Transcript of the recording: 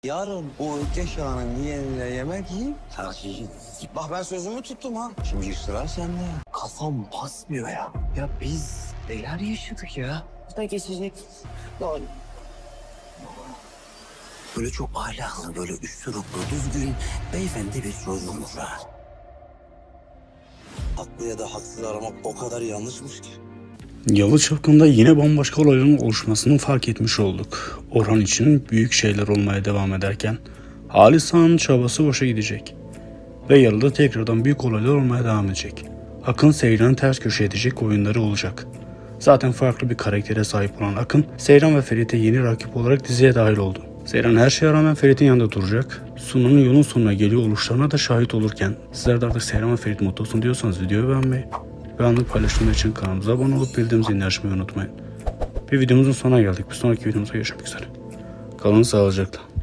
Yarın o Ökkeş Ağa'nın yeğenine yemek yiyip tartışacağız. Bak ben sözümü tuttum ha. Şimdi sıra sende. Kafam basmıyor ya. Ya biz neler yaşadık ya. Da geçecek. Doğru. Böyle çok ahlaklı, böyle üsturuplu, düzgün, beyefendi bir çocuğumuz var. Haklı ya da haksız aramak o kadar yanlışmış ki. Yalı Çapkın'da yine bambaşka olayların oluşmasını fark etmiş olduk. Orhan için büyük şeyler olmaya devam ederken Halis Ağa'nın çabası boşa gidecek. Ve Yalı'da tekrardan büyük olaylar olmaya devam edecek. Akın Seyran'ı ters köşe edecek oyunları olacak. Zaten farklı bir karaktere sahip olan Akın, Seyran ve Ferit'e yeni rakip olarak diziye dahil oldu. Seyran her şeye rağmen Ferit'in yanında duracak. Sunan'ın yolun sonuna geliyor oluşlarına da şahit olurken sizler de artık Seyran ve Ferit mutlu olsun diyorsanız videoyu beğenmeyi ve anlık paylaşımlar için kanalımıza abone olup bildiğimiz zilini açmayı unutmayın. Bir videomuzun sonuna geldik. Bir sonraki videomuzda görüşmek üzere. Kalın sağlıcakla.